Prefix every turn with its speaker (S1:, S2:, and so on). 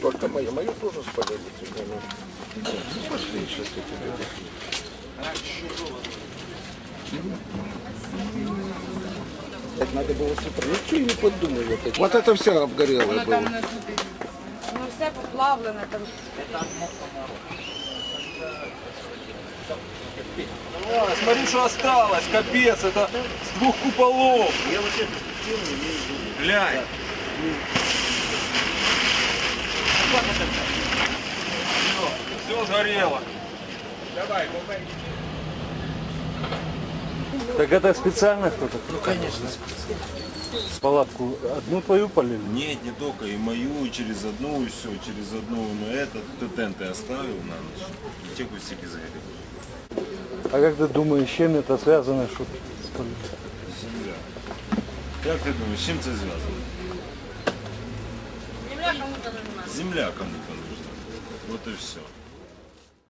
S1: только мою. Мою тоже спалили сегодня. Ну, пошли сейчас я тебе. Так надо было с утра. Ну что я не подумал. Вот это все обгорело
S2: Воно
S1: было.
S2: там не смотри. Воно все поплавлене там.
S3: А, смотри, что осталось, капец, это с 2 куполов.
S4: Я вообще перспективу не имею в виду.
S3: Глянь. Все сгорело.
S5: Так это специально кто-то?
S1: Ну конечно.
S5: С палатку одну твою полили?
S6: Нет, не только, и мою, и через одну, и все, через одну, но этот тенты оставил на ночь, и те кустики загорели.
S5: А как ты думаешь, с чем это связано? Что спалили?
S6: Земля. Как ты думаешь, с чем это связано?
S2: Земля кому-то нужна.
S6: Земля кому-то нужна. Вот и все.